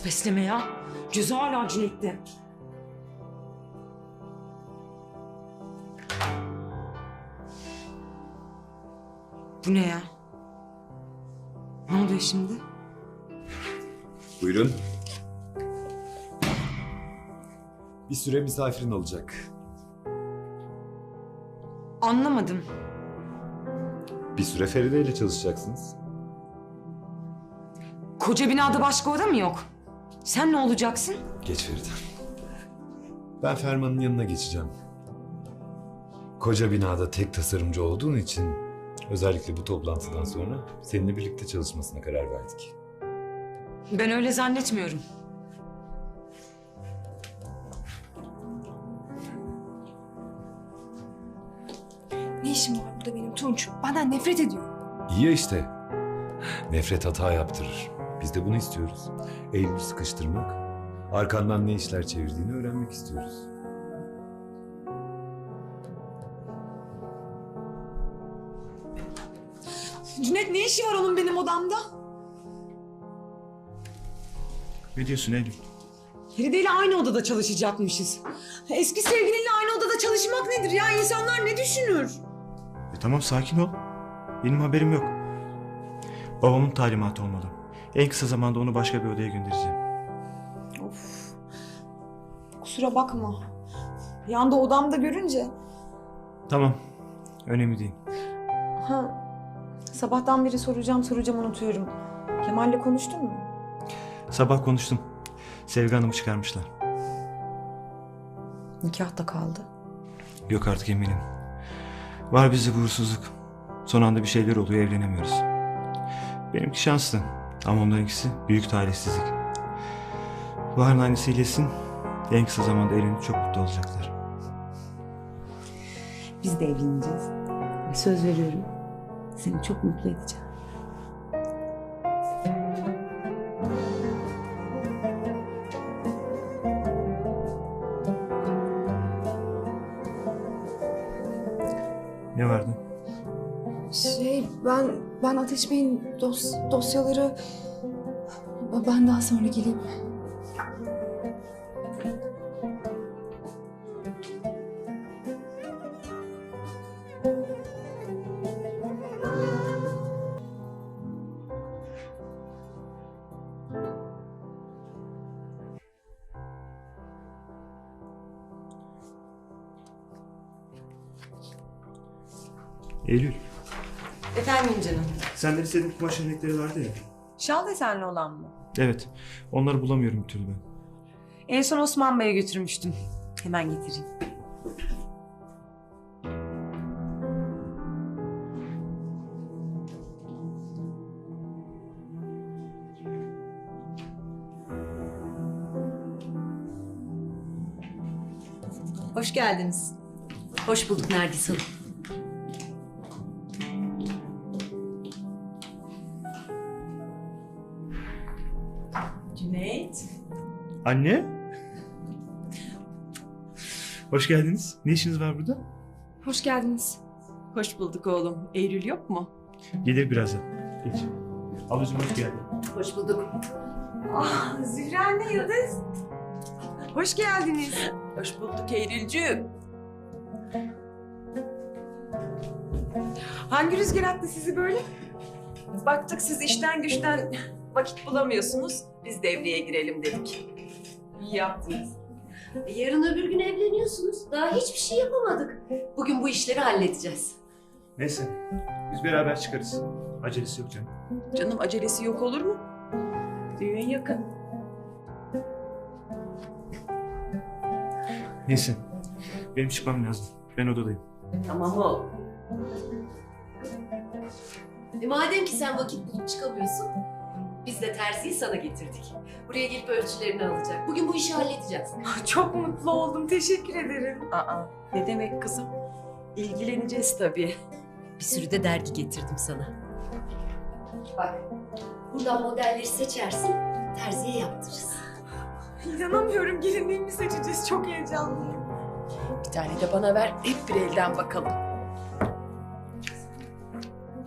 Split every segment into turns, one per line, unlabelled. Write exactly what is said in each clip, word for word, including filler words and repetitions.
Nasıl besleme ya? Gözü hala Cüneyt'te. Bu ne ya? Ne oluyor şimdi?
Buyurun. Bir süre misafirin olacak.
Anlamadım.
Bir süre Feride ile çalışacaksınız.
Koca binada başka oda mı yok? Sen ne olacaksın?
Geç Feride. Ben Ferman'ın yanına geçeceğim. Koca binada tek tasarımcı olduğun için özellikle bu toplantıdan sonra seninle birlikte çalışmasına karar verdik.
Ben öyle zannetmiyorum.
Ne işim var burada benim Tunç? Benden nefret ediyor.
İyi ya işte. Nefret hata yaptırır. Biz de bunu istiyoruz. Eylül'ü sıkıştırmak, arkandan ne işler çevirdiğini öğrenmek istiyoruz.
Cüneyt ne işi var onun benim odamda?
Ne diyorsun Eylül?
Feride ile aynı odada çalışacakmışız. Eski sevgilinle aynı odada çalışmak nedir ya? İnsanlar ne düşünür?
E tamam sakin ol. Benim haberim yok. Babamın talimatı olmalı. En kısa zamanda onu başka bir odaya göndereceğim.
Of. Kusura bakma. Bir anda odamda görünce.
Tamam. Önemli değil.
Ha. Sabahtan beri soracağım soracağım unutuyorum. Kemal'le konuştun mu?
Sabah konuştum. Sevgi Hanım'ı çıkarmışlar.
Nikah da kaldı.
Yok artık eminim. Var bizde bu uğursuzluk. Son anda bir şeyler oluyor, evlenemiyoruz. Benimki şanslı. Ama onlarınkisi büyük talihsizlik. Bahar'ın annesi iyileşsin. En kısa zamanda evlenip çok mutlu olacaklar.
Biz de evleneceğiz. Ve söz veriyorum, seni çok mutlu edeceğim.
Ne vardı?
Şey ben ben Ateş Bey'in dos, dosyaları ben daha sonra geleyim.
Eylül.
Efendim canım.
Senden istediğim kumaş örnekleri vardı ya.
Şal desenli olan mı?
Evet. Onları bulamıyorum bir türlü ben.
En son Osman Bey'e götürmüştüm. Hemen getireyim.
Hoş geldiniz. Hoş bulduk Nergis Hanım.
Cüneyt.
Anne? Hoş geldiniz. Ne işiniz var burada?
Hoş geldiniz.
Hoş bulduk oğlum. Eylül yok mu?
Gelir birazdan. Geç. Ablacığım hoş geldin.
Hoş bulduk.
Ah Zühre anne Yıldız. Hoş geldiniz.
Hoş bulduk Eylülcüğüm.
Hangi rüzgar attı sizi böyle?
Baktık siz işten güçten vakit bulamıyorsunuz. Biz devreye girelim dedik. İyi yaptınız.
Yarın öbür gün evleniyorsunuz. Daha hiçbir şey yapamadık. Bugün bu işleri halledeceğiz.
Neyse. Biz beraber çıkarız. Acelesi yok canım.
Canım acelesi yok olur mu? Düğün yakın.
Neyse. Benim çıkmam lazım. Ben odadayım.
Tamam oğlum. E madem ki sen vakit bulup çıkamıyorsun, biz de terziyi sana getirdik. Buraya gelip ölçülerini alacak. Bugün bu işi halledeceğiz.
Çok mutlu oldum. Teşekkür ederim.
Aa, ne demek kızım? İlgileneceğiz tabii.
Bir sürü de dergi getirdim sana. Bak, buradan modelleri seçersin, terziye yaptırırız.
İnanamıyorum. Gelinliğimi seçeceğiz. Çok heyecanlıyım.
Bir tane de bana ver. Hep bir elden bakalım.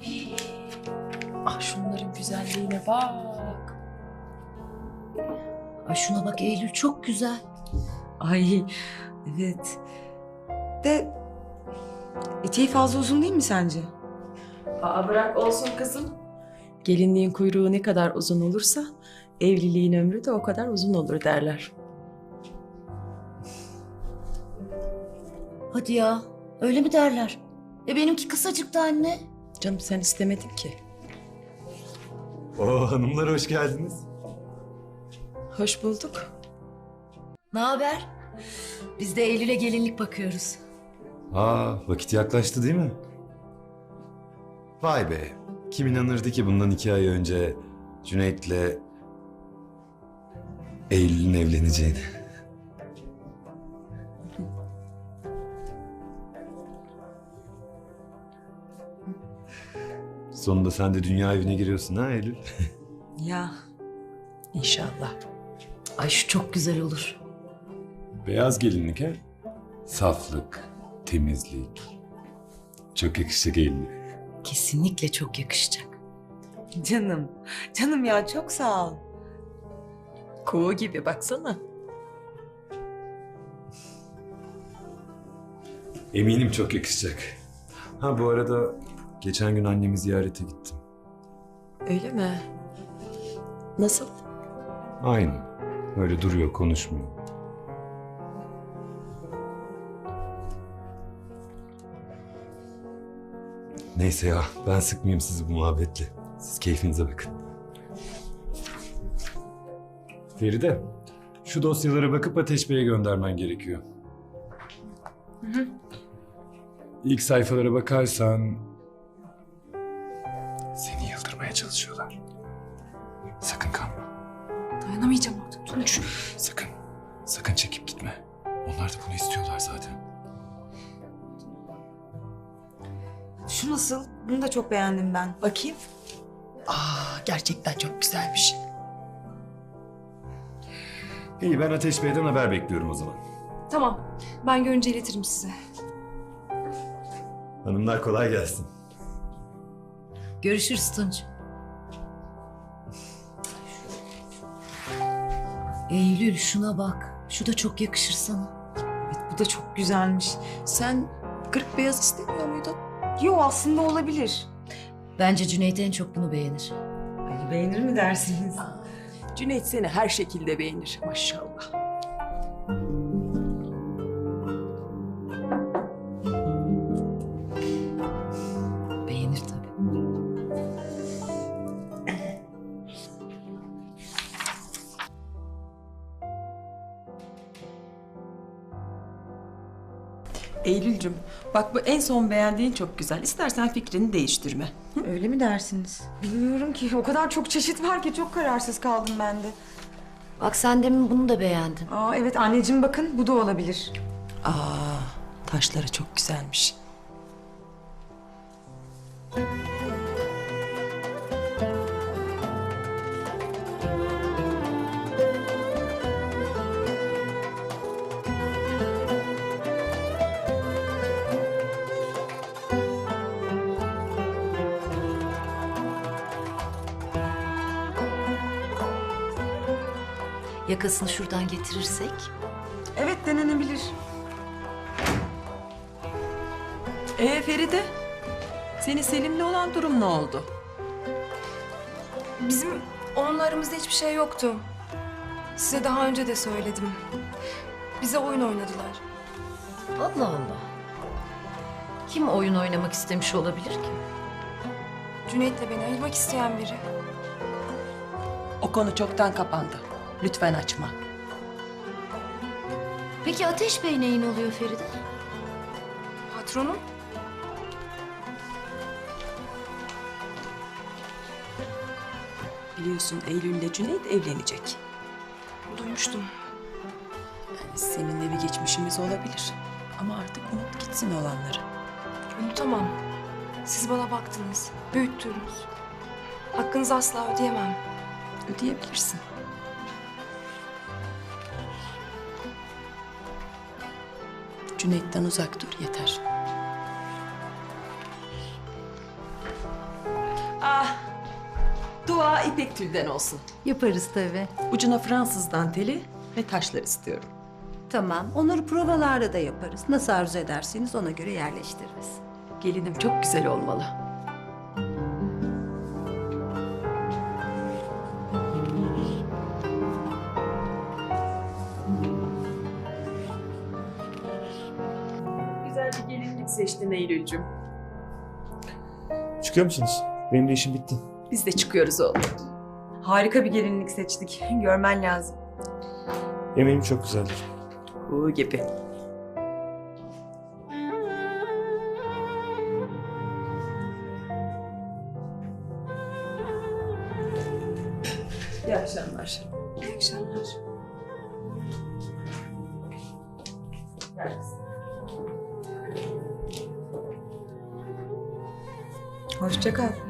Ah şunların güzelliğine bak.
Ay şuna bak Eylül çok güzel.
Ay evet. De eteği fazla uzun değil mi sence?
Aa bırak olsun kızım. Gelinliğin kuyruğu ne kadar uzun olursa evliliğin ömrü de o kadar uzun olur derler.
Hadi ya öyle mi derler? E benimki kısacıktı anne.
Canım sen istemedin ki.
Oo hanımlar hoş geldiniz.
Hoş bulduk.
Ne haber? Biz de Eylül'e gelinlik bakıyoruz.
Aa vakit yaklaştı değil mi? Vay be. Kim inanırdı ki bundan iki ay önce Cüneyt'le Eylül'ün evleneceğini. Sonunda sen de dünya evine giriyorsun ha Eylül?
Ya
İnşallah.
Ay şu çok güzel olur.
Beyaz gelinlik ha? Saflık, temizlik. Çok yakışacak Eylül.
Kesinlikle çok yakışacak.
canım. Canım ya çok sağ ol.
Kuğu gibi baksana.
Eminim çok yakışacak. Ha bu arada geçen gün annemi ziyarete gittim.
Öyle mi? Nasıl?
Aynı. Öyle duruyor, konuşmuyor. Neyse ya, ben sıkmayayım sizi bu muhabbetle. Siz keyfinize bakın. Feride, şu dosyalara bakıp Ateş Bey'e göndermen gerekiyor. Hı hı. İlk sayfalara bakarsan... Seni yıldırmaya çalışıyorlar. Sakın kanma.
Dayanamayacağım artık Tunç.
Sakın, sakın çekip gitme. Onlar da bunu istiyorlar zaten.
Şu nasıl? Bunu da çok beğendim ben.
Bakayım. Aa gerçekten çok güzelmiş.
İyi, ben Ateş Bey'den haber bekliyorum o zaman.
Tamam. Ben görünce iletirim size.
Hanımlar kolay gelsin.
Görüşürüz Tunç. Eylül şuna bak. Şu da çok yakışır sana.
Evet bu da çok güzelmiş.
Sen kırk beyaz istemiyor muydun?
Yo aslında olabilir.
Bence Cüneyt en çok bunu beğenir.
Ay, beğenir mi dersiniz?
Cüneyt seni her şekilde beğenir maşallah.
Beğenir tabii.
Eylülcüm bak bu en son beğendiğin çok güzel. İstersen fikrini değiştirme.
Öyle mi dersiniz? Bilmiyorum ki. O kadar çok çeşit var ki çok kararsız kaldım ben de.
Bak sen demin bunu da beğendin.
Aa evet anneciğim bakın bu da olabilir.
Aa taşları çok güzelmiş.
Yakasını şuradan getirirsek.
Evet denenebilir.
Ee Feride, senin Selim'le olan durum ne oldu?
Bizim onunla aramızda hiçbir şey yoktu. Size daha önce de söyledim. Bize oyun oynadılar.
Allah Allah. Kim oyun oynamak istemiş olabilir ki?
Cüneyt'le beni ayırmak isteyen biri.
O konu çoktan kapandı. Lütfen açma.
Peki Ateş Bey neyin oluyor Feride?
Patronum?
Biliyorsun Eylül'le Cüneyt evlenecek.
Duymuştum.
Yani seninle bir geçmişimiz olabilir. Ama artık unut gitsin olanları.
Unutamam. Siz bana baktınız, büyüttünüz. Hakkınızı asla ödeyemem.
Ödeyebilirsin. Cüneyt'ten uzak dur yeter.
Ah
Dua ipek tülden olsun.
Yaparız tabii.
Ucuna Fransız danteli ve taşlar istiyorum.
Tamam. Onları provalarda da yaparız. Nasıl arzu ederseniz ona göre yerleştiririz.
Gelinim çok güzel olmalı. Güzel bir gelinlik seçtin Eylül'cüm.
Çıkıyor musunuz? Benim de işim bitti.
Biz de çıkıyoruz oğlum.
Harika bir gelinlik seçtik. Görmen lazım.
Eminim çok güzeldir.
Bu gibi. İyi akşamlar.
İyi akşamlar.
Hoşça kal.